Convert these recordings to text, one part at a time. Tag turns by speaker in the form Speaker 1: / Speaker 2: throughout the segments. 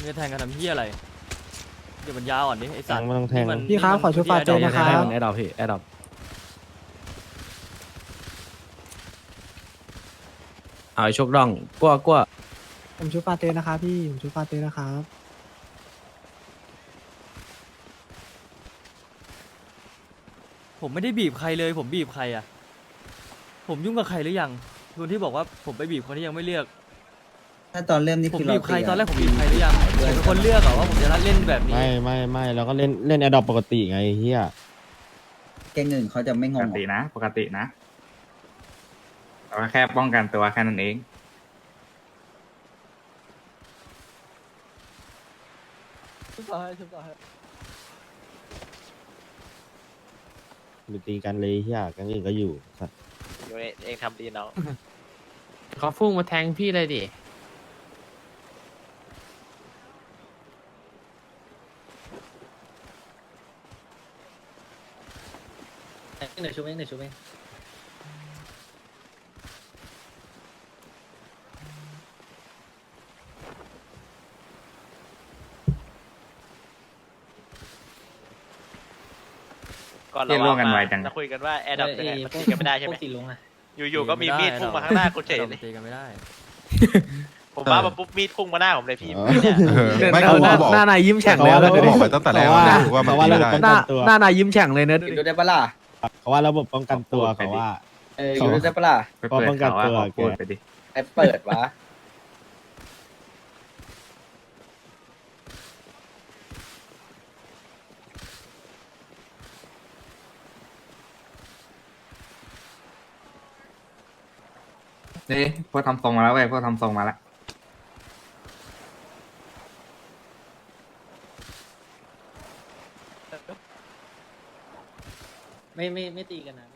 Speaker 1: งจะแทงกันทำเหี้ยอะไรเดี๋ยวมันยาวอ่อนดิไอ้สัตว์
Speaker 2: มันต้องแทง
Speaker 3: พี่ครับขอชุดฟาเจนนะครับ
Speaker 4: แอดดอปพี่แอดดอปเอาชกดองกลัว
Speaker 3: ผมชุดฟาเจนนะครับพี่ผมชุดฟาเจนนะครับ
Speaker 1: ผมไม่ได้บีบใครเลยผมบีบใครอ่ะผมยุ่งกับใครหรือยังคนที่บอกว่าผมไปบีบคนที่ยังไม่เลือก
Speaker 5: ถ้าตอนเริ่มนี่
Speaker 1: ผม
Speaker 5: คือ
Speaker 1: บีบใครตอนแรกผมบีบใครหรือยังผมเป็นคนเลือกเหรอว่าผมจะเล่นแบบนี้
Speaker 2: ไม่เราก็เล่นแอดดอปปกติไงเฮีย
Speaker 5: แกงเงินเขาจะไม่ง
Speaker 6: ป
Speaker 5: ง
Speaker 6: กตินะปกตินะแต่ว่าแค่ป้องกันตัวแค่นั้นเอง
Speaker 2: ไปตีกันเลยเฮียกันอื่นก็อยู่สัตว์
Speaker 7: อยู่ในเองทำดีเนาะ
Speaker 4: เขาฟุ้งมาแทงพี่เลยดิ
Speaker 7: หนึ่งชุบเองหนึ่งชุบเองก่อนเราจะคุยกันว่าแอร์ดับเนี่ยมันตีกันไม่ได้ใช่ไหมอยู่ๆก็มีมีดพุ่งมาข้างหน้ากูเฉยเลย
Speaker 1: ตีกันไม่ได้
Speaker 7: ผมมาปุ๊บมีดพุ่งมาหน้าผมเลยพี่
Speaker 8: ไม่กูบอก
Speaker 4: หน้านายยิ้มแฉ่งเลย
Speaker 8: กูบอกไปตั้งแต่แรกว่ามันตีไม่ได้
Speaker 4: หน้านายยิ้มแฉ่งเลยเนอะ
Speaker 5: อยู่ได้ปะล่ะ
Speaker 2: เขาว่าระบบป้องกันตัวเขาว่า
Speaker 5: อยู่ได้ปะล่ะ
Speaker 6: ไปเปิดเขาว่าเขาพูดไปดิ
Speaker 5: ไอ้เปิดวะ
Speaker 6: นี่พวกทำทรงมาแล้วเว้ยพวกทำทรงมาแล้ว
Speaker 7: ไม่ตีกันนะ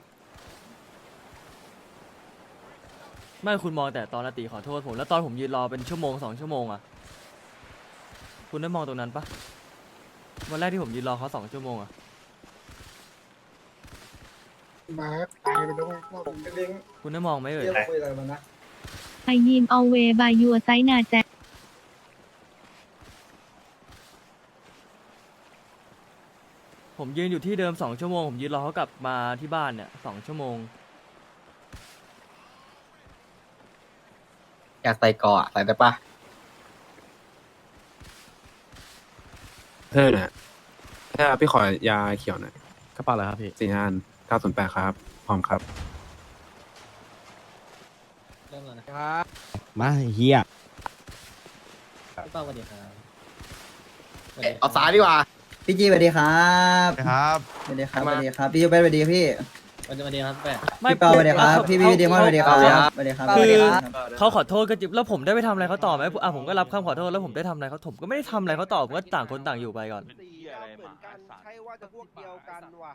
Speaker 1: ไม่คุณมองแต่ตอนนาตีขอโทษผมแล้วตอนผมยืนรอเป็นชั่วโมง2 ชั่วโมงอ่ะคุณได้มองตรงนั้นปะวันแรกที่ผมยืนรอเขา2 ชั่วโมงอ่ะ
Speaker 3: มาตายไปด้วย
Speaker 1: คุณได้มองไหมเอ่ย
Speaker 5: คุยอะไรมานะ
Speaker 9: I am always by your side นะแจ๊
Speaker 1: ผมยืนอยู่ที่เดิม2 ชั่วโมงผมยืนรอเขากลับมาที่บ้านเนี่ย2 ชั่วโมง
Speaker 5: อยากใส่เกาะใส่ได้ปะ
Speaker 10: เนี่ยถ้าพี่ขอยาเขียวหน่อย
Speaker 4: กระเป๋าอะไรครับพี่
Speaker 10: 4 อัน 908 ครับ พร้อมครับ
Speaker 7: เริ่มแล้วนะ
Speaker 2: มาเฮีย
Speaker 7: พี่เป้าสวัสดีครับ
Speaker 5: เอาซ้ายดีกว่าพี่จีสวัสดีครับ
Speaker 8: ครับ
Speaker 5: สวัสดีครับสวัสดีครับพี่ยูเป็นสวัสดีพี่
Speaker 7: สวัสดีครับแปะ
Speaker 5: พี่เปาสวัสดีครับพี่ดีมอนสวัสดีครับสวัสดีครับ
Speaker 1: คือเขาขอโทษก็จริงแล้วผมได้ไปทำอะไรเขาต่อไหมอ่ะผมก็รับคำขอโทษแล้วผมได้ทำอะไรเขาผมก็ไม่ได้ทำอะไรเขาต่อผมก็ต่างคนต่างอยู่ไปก่อน
Speaker 11: เหมือนกันใช่ว่าจะพวกเดียวกันว่ะ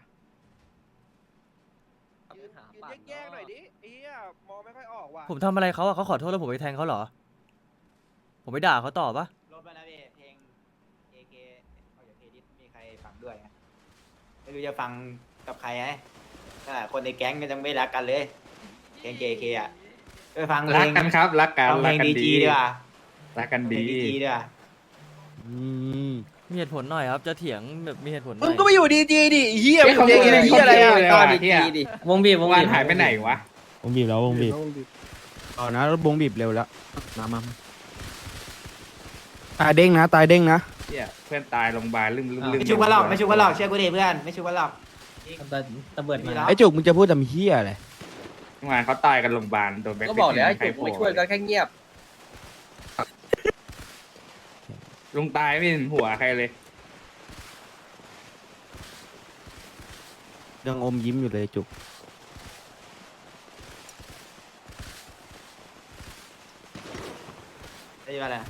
Speaker 11: ยืนแยกๆหน่อยดิไอ้เหี้ยมองไม่ค่อยออกว่ะ
Speaker 1: ผมทำอะไรเขาอะเขาขอโทษแล้วผมไปแทงเขาเหรอผมไปด่าเขาต่อปะ
Speaker 7: ลบไปแล้วพี่เพลง AK เอาจากเพลงที่มีใครฟังด้วยไม่รู้จะฟังกับใครไงคนในแก๊งก็ยังไม่รักกันเลยเพลง AK อ่ะไปฟังเพล
Speaker 6: รัก
Speaker 7: ง
Speaker 6: กันครับรักกัน
Speaker 7: ฟังเพ
Speaker 6: รั
Speaker 7: ล
Speaker 6: ก
Speaker 7: ง
Speaker 6: กัน
Speaker 7: ดี
Speaker 6: ดี
Speaker 7: จีดีกว่า
Speaker 6: รักกันดี
Speaker 7: ดีจีดีกว่า
Speaker 1: มีเหตุผลหน่อยครับจะเถียงแบบมีเหตุผลหน่
Speaker 11: มึ
Speaker 1: อง ย
Speaker 11: ก็ไปอยู่ดีจีดิเหี้ย
Speaker 6: เขา
Speaker 11: เหี้ยอะไร
Speaker 6: เหี้ยอะไรตอนดีดิ
Speaker 7: วงบีบวง
Speaker 6: วา
Speaker 7: บี
Speaker 6: น
Speaker 7: บ
Speaker 6: หายไปไหนวะ
Speaker 2: วงบีบแล้ววงบีบ
Speaker 4: เอานะรถบงบีบเร็วแล้วมา
Speaker 10: ตายเด้งนะ ตายเด้งนะ
Speaker 6: เนี่ยเพื่อนตายโรงพยาบาลลืม
Speaker 7: ไม่ชุบกันหรอกไม่ชุบกันหรอกเชื่อกูดิเพื่อนไม่ชุบกันหรอกตะเบิดมา
Speaker 4: ไอ้จุกมึงจะพูดทำเฮียอะไร
Speaker 6: งานเขาตายกันโรงพยาบาลโดนแบ็ค
Speaker 5: ก็บอกแล้ว
Speaker 6: ใคร
Speaker 5: จุกไม่ช่วยกันแค่เงียบ
Speaker 6: ลุงตายไม่เห็นหัวใครเลย
Speaker 4: ยังอมยิ้มอยู่เลยจุก
Speaker 7: ได้ยินอะไร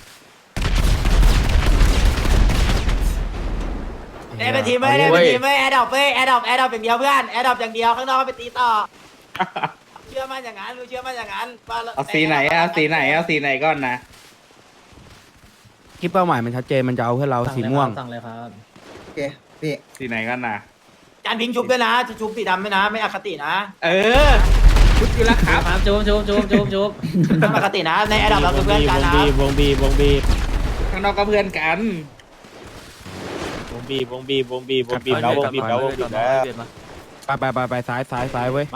Speaker 7: ได้เป็นทีมไหมได้เป็นทีมไหมแอดดอปเว้ยแอดดอปอย่างเดียวเพื่อนแอดดอปอย่างเดียวข้างนอกไปตีต่อเชื่อมั่นอย่างนั้นรู้เชื่อมั่นอย่างนั้น
Speaker 6: เอาสีไหนเอาสีไหนเอาสีไหนก่อนนะ
Speaker 4: คิดเป้าหมายมันชัดเจนมันจะเอาเพื่อเราสีม่วง
Speaker 7: สั่งเลยครับ
Speaker 5: โอเคพี่
Speaker 6: สีไหนก่อนนะ
Speaker 7: จานพิงชุบด้วยนะชุบสีดำด้วยนะไม่อคตินะ
Speaker 6: เออชุดอยู่แล้วครับ
Speaker 7: ชุบไม่อคตินะในแอดดอปเราคือเพื่อนกันนะ
Speaker 2: วงบีบ
Speaker 6: ข้างเราก็เพื่อนกัน
Speaker 2: วงบีบแล้ววงบีบแล้ว
Speaker 4: ไปซ้ายเว้ย
Speaker 1: มา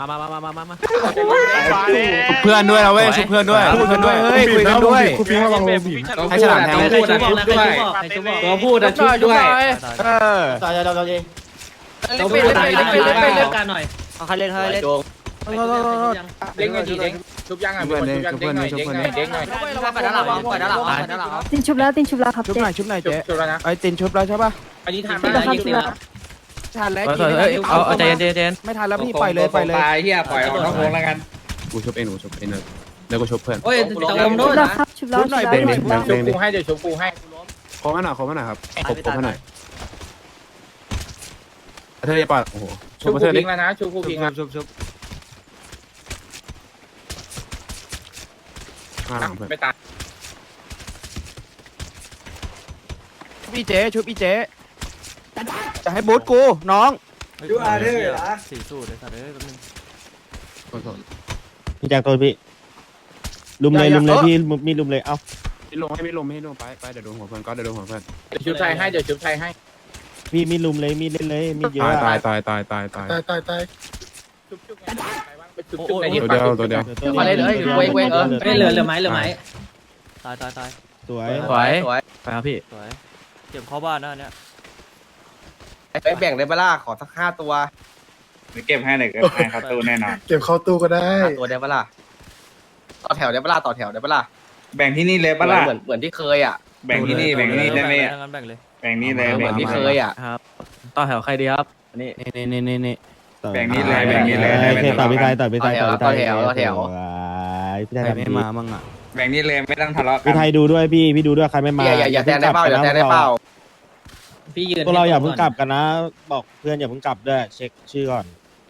Speaker 10: ชุบเพื่อนด้วยนะเว้ยชุบเพื่อนด้วยชุบเพื่อนด้วยเฮ้ยคุยกันด้วย
Speaker 3: คุณพี่ระวังลงบีบ
Speaker 10: ให้ฉลามแทง
Speaker 6: ตัวพูดนะชุบด้วย
Speaker 4: เออ
Speaker 5: ต่อจะ
Speaker 10: เล่นกันหน่อย
Speaker 5: เอาใครเล่นโจง
Speaker 6: เด้งหน่อยดิเด้งชุบยังอ่ะชุบยังเด้งหน่อยเด้งหน่อย
Speaker 5: ปล่อยด้านหลังปล่อยด้านหลังปล่อยด้านหลัง
Speaker 9: ตินชุบแล้วครับ
Speaker 4: ชุบหน่อยเจ๊
Speaker 6: ชุบแล้วนะ
Speaker 4: ไอ้ตินชุบแล้วใช่ป่ะ
Speaker 6: อันนี้ทาน
Speaker 9: ชุบแล้วครับชุบแล้ว
Speaker 4: ทันแล้ว
Speaker 1: เอาใจเย็น
Speaker 4: ไม่ทันแล้วพี่ปล่อยเลย
Speaker 6: ตายเฮียปล่อยออกนอกวงแล้วกัน
Speaker 10: กูชุบเองแล้วก็ชุบเพื่อน
Speaker 5: โอ้ย
Speaker 9: ชุบแล้วครับชุบแล้ว
Speaker 4: ชุบหน่อย
Speaker 9: ชุบ
Speaker 4: เบ่ง
Speaker 9: แล้ว
Speaker 6: ชุบกูให้เดี๋ยวชุบกูให้
Speaker 10: ขอมาหน่อยครับขอมาหน่อยเธอจะปาดโอ้โห
Speaker 6: ชุบกูพิงแล้วนะชุบกูพิงแล้ว
Speaker 4: ชุบ
Speaker 10: ข้างหลังเพื่อน
Speaker 6: ไม่ตาย
Speaker 4: ชุบอีเจ๊จะให้บูทกูน้อง
Speaker 1: ดูอาเธอร์นะสี่สูตรเลยสัตว์เลยแป๊บนึง
Speaker 2: พี่แจ็คโทษพี่ลุมเลยพี่มีลุมเลยเอ้า
Speaker 10: ไม่ลงไปเดี๋ยวโดนหัวเพื่อนก็เดี๋ยวโดนหัวเพื่อน
Speaker 6: เดี๋ยวชุบไทยให้เดี๋ยวชุบไทยให้
Speaker 2: พี่มีลุมเลยมีเล่นเลยมีเยอะ
Speaker 10: ตาย
Speaker 3: ตาย
Speaker 6: ชุบไปชุบไหนดิ
Speaker 10: ตัวเดียว
Speaker 5: มาเลยเลยเว้ยเหลือไหม
Speaker 1: ตาย
Speaker 2: สวย
Speaker 4: ไปครับพี่
Speaker 1: สวยเก็บเข้าบ้านนะเนี่ย
Speaker 5: ไปแบ่งได้เปล่าขอสัก5 ตัว
Speaker 6: เก็บให้เลยเก็บให้เขาตู้แน่นอน
Speaker 3: เก็บเข้าตู้ก็ได้
Speaker 5: 5 ตัวได้เปล่าต่อแถวได้เปล่าต่อแถวได้เปล่า
Speaker 6: แบ่งที่นี่เลยปะล่ะ
Speaker 5: เหมือนที่เคยอ่ะ
Speaker 6: แบ่งที่นี่ได้ไหม
Speaker 1: งั้นแบ่งเลย
Speaker 6: แบ่งนี่เลย
Speaker 5: เหมือนที่เคยอ่ะ
Speaker 1: ครับต่อแถวใครดีครับนี่
Speaker 4: นี่
Speaker 6: แบ่งนี่เลยแบ่งนี่เลย
Speaker 2: ต่อไปพี่ไทย
Speaker 4: ใครไม่มามั่งอ่ะ
Speaker 6: แบ่งนี่เลยไม่ต้องทะเลาะกั
Speaker 2: พี่
Speaker 6: น
Speaker 2: ไทยดูด้วยพี่ดูด้วยใครไม่มา
Speaker 5: อย่าแทงได้เปล่าอย่าแทงได้เปล่า
Speaker 2: พวกเราอย่าเพิ่งกลับกันนะ บอกเพื่อนอย่าเพิ่งกลับด้วยเช็คชื่อก่อน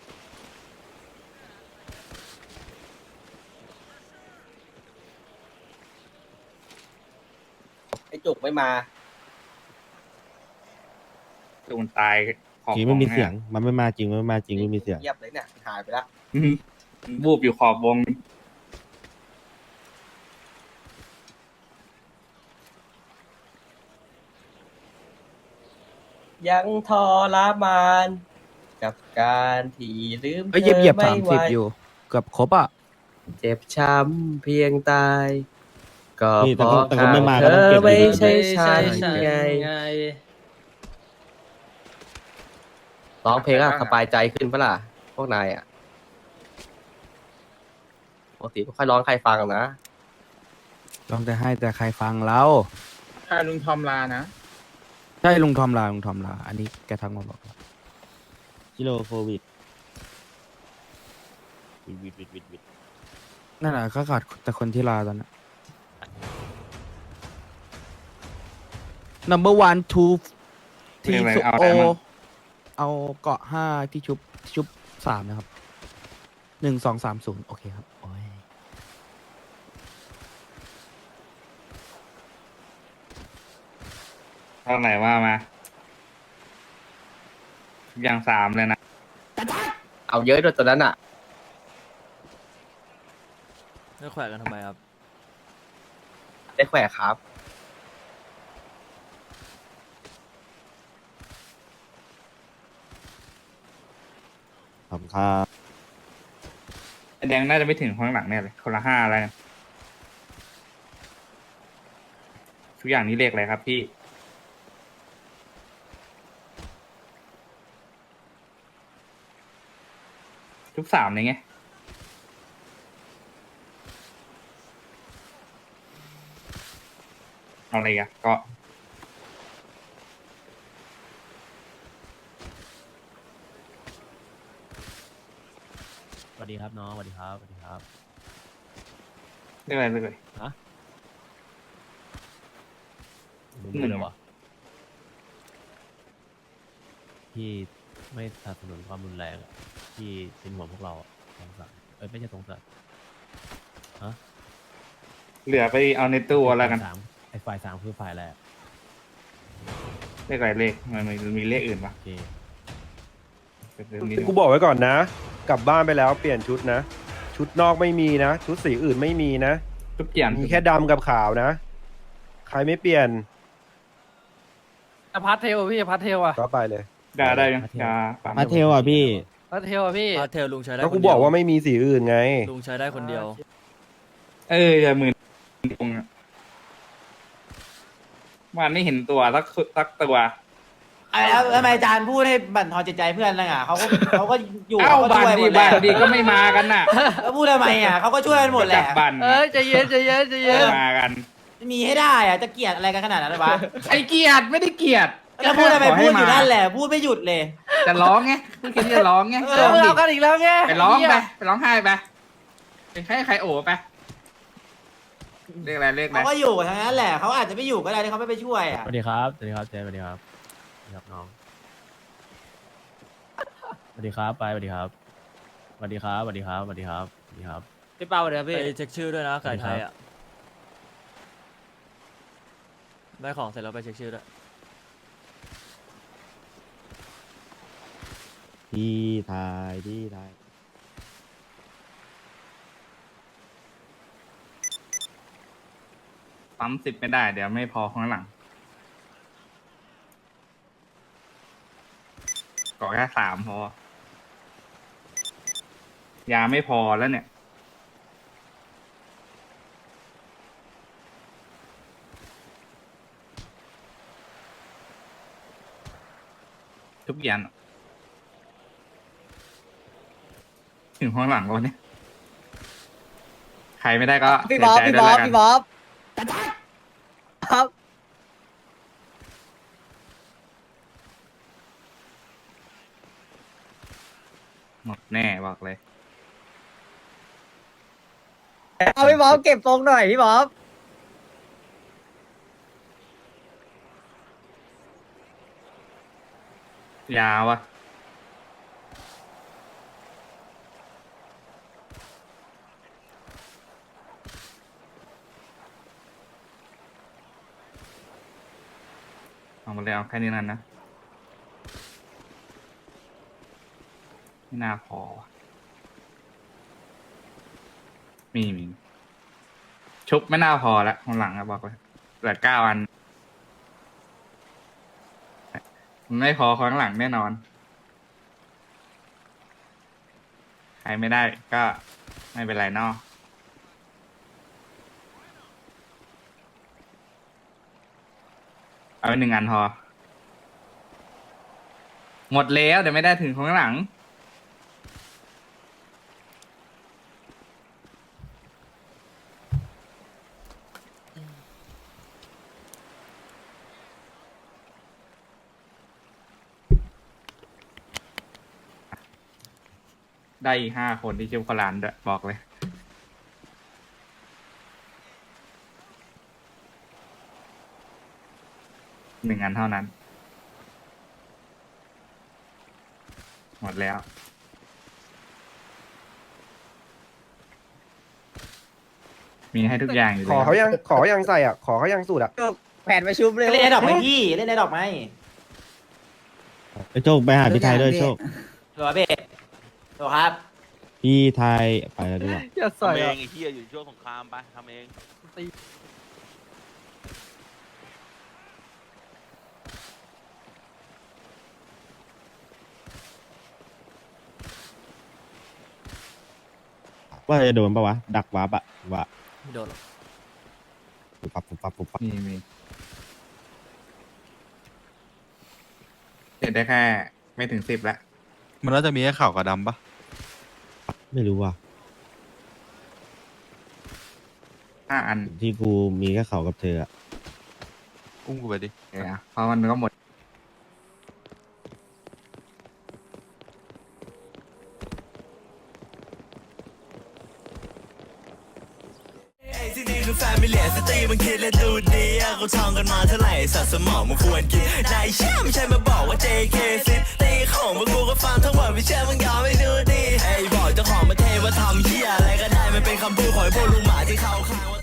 Speaker 5: ไอ้จุกไม่มา
Speaker 6: ตูนตายของ
Speaker 2: จริงไม่มีเสียงมันไม่มาจริงไม่มาจริงไม่มีเสียง
Speaker 5: เงียบเลยเนี่ยหายไปแล้ว
Speaker 6: บูบอยู่ขอบวง
Speaker 5: ยังทรมานกับการที่ลืม
Speaker 4: เอ้ยเหยียบ30อยู่เกือบครบอ่ะ
Speaker 5: เจ็บช้ำเพียงตาย ก็
Speaker 2: นี่
Speaker 5: เพราะ
Speaker 2: แต่ก็ไม่มา
Speaker 5: เธ
Speaker 2: ก็ต้อง
Speaker 5: อ
Speaker 2: เก็บ
Speaker 5: ไม่
Speaker 2: ดี
Speaker 5: ใช่ฉันไงร้องเพลงอะสบายใจขึ้นปะล่ะพวกนายอะปกติไม่ค่อยร้องใครฟังนะ
Speaker 4: ลองแต่ใครฟังเรา
Speaker 6: ถ้าลุงทอมลานะ
Speaker 4: ใช่ลุงทอมลาอันนี้แกทักมาบอก
Speaker 2: กิโลโควิด
Speaker 4: นั่นแหละก็ขาดแต่คนที่ลาตอนนั้น number 1 2 ที่สุโอเอาเกาะ5ที่ชุบ3นะครับ1 2 3 0โอเคครับโอ้ย
Speaker 6: เท่าไหร่ว่ามาอย่าง3เลยนะ
Speaker 5: เอาเยอะด้วยตัวนั้นอะ
Speaker 1: แล้วแขวะกันทำไมครับ
Speaker 5: ได้แขวะครับ
Speaker 2: ขอบคุณครับ
Speaker 6: แดงน่าจะไม่ถึงข้างหลังแน่เลยคนละ5อะไรนะทุกอย่างนี้เลขอะไรครับพี่ทุก3เลยไงเอาอะไรกันก็
Speaker 1: สวัสดีครับน้องสวัสดีครับ
Speaker 6: เรียกอะไรเลย
Speaker 1: มึงเลยวะพี่ไม่สนับสนุนความรุนแรงอะพี่เป็นห่วงพวกเราอะสงสารไม่ใช่สงสาร
Speaker 6: เหลือไปเอาในตู้แล้วกัน
Speaker 1: ไอ้ฝ่าย3คือฝ่ายแรก
Speaker 6: เลขอะไรเลขมันมีเลขอื่นปะ
Speaker 1: โอเค
Speaker 11: กูบอกไว้ก่อนนะ กลับบ้านไปแล้วเปลี่ยนชุดนะ ชุดนอกไม่มีนะ ชุดสีอื่นไม่มีนะ
Speaker 6: ทุกอย่าง
Speaker 11: มีแค่ดำกับขาวนะ ใครไม่เปลี่ยน
Speaker 10: พาร์ทเทลพี่พาร์ทเทลอ่ะ
Speaker 11: ก็ไปเลย
Speaker 6: ได้ยังยาปั๊ม
Speaker 2: มาเทลอ่ะพี่
Speaker 10: พาร์ทเทลอ่ะพี่
Speaker 1: พาเทลลุงใช้ได้
Speaker 11: ก็
Speaker 1: ค
Speaker 11: กู
Speaker 1: นเดี
Speaker 11: บ
Speaker 1: ย
Speaker 11: อกว่าไม่มีสีอื่นไง
Speaker 1: ลุงใช้ได้คนเดียว
Speaker 6: อย่าหมื่นตรงวันไม่เห็นตัวสักตัว
Speaker 7: แล้วทำไมอาจารย์พูดให้บั่นทอนจิตใจเพื่อนล่ะอ่ะเขาก็อยู่
Speaker 6: เอ้า
Speaker 7: เขาก็
Speaker 6: บัน
Speaker 7: ช่วยหม
Speaker 6: ดี
Speaker 7: ดแห
Speaker 6: บั
Speaker 7: ละ
Speaker 6: นดีก็ไม่มากันน่ะ
Speaker 7: แล้วพูดทำไมอ่ะเขาก็ช่วยกันหมดแห
Speaker 6: จั
Speaker 7: ละ
Speaker 6: บบัน
Speaker 10: ใจเย็นใจเย็นใจเย็น
Speaker 6: ไม่มากัน
Speaker 7: มีให้ได้อ่ะจะเกลียดอะไรกันขนาดนั้นวะ
Speaker 6: ไอเกียรติไม่ได้เกลียรติ
Speaker 7: แล้วพูดทำไมพูดอยู่นั่นแหละพูดไม่หยุดเลย
Speaker 6: จะร้องไงพูดแค่นี้จะร้องไง
Speaker 10: เออเอากันอีกแล้วไง
Speaker 6: ไปร้องไปร้องไห้ไปเป็นใครโอ้ไปเรียกอะไรเรียกอะไร
Speaker 7: เขาก็อยู่ทั้งนั้นแหละเขาอาจจะไม่อยู่ก็ได้ที่เขาไม่ไปช่วยอ่ะ
Speaker 2: สวัสดีครับสวัสดีครับเจสวัสดีครับครับน้องสวัสดีครับไปสวัสดีครับสวัสดีครับสวัสดีครับสวัสดีครับสวัสดีครับ
Speaker 10: พี่เป้าเดี๋ยวพี่
Speaker 1: ไปเช็คชื่อด้วยนะไก่ไทยอ่ะได้ของเสร็จแล้วไปเช็คชื่อด้วย
Speaker 2: พี่ไทยพี่ไทย
Speaker 6: ปั๊ม10ไม่ได้เดี๋ยวไม่พอข้างหลังก่อแค่3พอยาไม่พอแล้วเนี่ยทุกอย่างถึงข้างหลังแล้วเนี่ยใครไม่ได้ก็
Speaker 5: พี่บ๊อบ
Speaker 6: เสียใจ
Speaker 5: พี่
Speaker 6: ด้วย
Speaker 5: บ๊อบ
Speaker 6: แล้วกัน
Speaker 5: พี่บ๊อบครับ
Speaker 6: หมดแน่บอกเลย
Speaker 5: เอาพี่บ๊อบเก็บทรงหน่อยพี่บ๊อบ
Speaker 6: ยาวอะเอามาเลยเอาแค่นี้นั่นนะไม่น่าพอว่ะมีชุบไม่น่าพอแล้วข้างหลังอะบอกเลยเหลือ9 อันมันไม่พอข้างหลังแน่นอน ใครไม่ได้ก็ไม่เป็นไรเนอะเอาไป1 อันพอ หมดแล้วเดี๋ยวไม่ได้ถึงข้างหลัง ได้อีก5 คนที่ชื่อพลานด้วยบอกเลย 1 อันเท่านั้น หมดแล้ว มีให้ทุกอย่างอยู่
Speaker 11: ข
Speaker 6: แล้
Speaker 11: อ
Speaker 6: ว
Speaker 11: เขายังใส่อ่ะ ขอเขายังสูตรอ่ะ
Speaker 5: แผ่นประชุมเลย
Speaker 7: เล่นไอ้ดอกไหมพี่เล่นไอ้ดอกไหม
Speaker 2: ไปโชคไปหาพี่ไทยด้วยโชค
Speaker 7: ตัวเบสตัวครับ
Speaker 2: พี่ไทยไปแล้วด้วย
Speaker 10: อย่าใส่
Speaker 3: ทำเอ
Speaker 10: อะ
Speaker 3: งไอ้เหี้ยอยู่ช่วงสงครามไปทำเอง
Speaker 2: ว่าจะโดนปะวะดักวาร์ปอะว่า
Speaker 1: ไม่โดนหรอก
Speaker 2: ปุ๊บปั๊บปุ๊บปั๊บปุ๊บปั๊บ
Speaker 6: มีเสร็จได้แค่ไม่ถึง10แล้ว
Speaker 8: มันน่าจะมีแค่ขาวกับดำปะ
Speaker 2: ไม่รู้ว่ะ
Speaker 6: 5 อัน
Speaker 2: ที่กูมีแค่เขากับเธออะ
Speaker 8: อุ้มกูไปดิ
Speaker 6: เนี่ยเพราะมันก็หมด
Speaker 12: ที่นี่คือแฟมิเลียสตรีมันคิดและดูดีอะเขาท่องกันมาเท่าไหร่สัตว์สมองมันควรกินนายเชื่อไม่ใช่มาบอกว่า JK ซิตีของมึงกูก็ฟังทั้งหมดไม่เชื่อมึงยอมไม่ดูดีไอ้บอกเจ้าของประเทศว่าทำเหี้ยอะไรก็ได้มันเป็นคำพูดของไอ้พวกลุงหมาที่เขาข้างว่า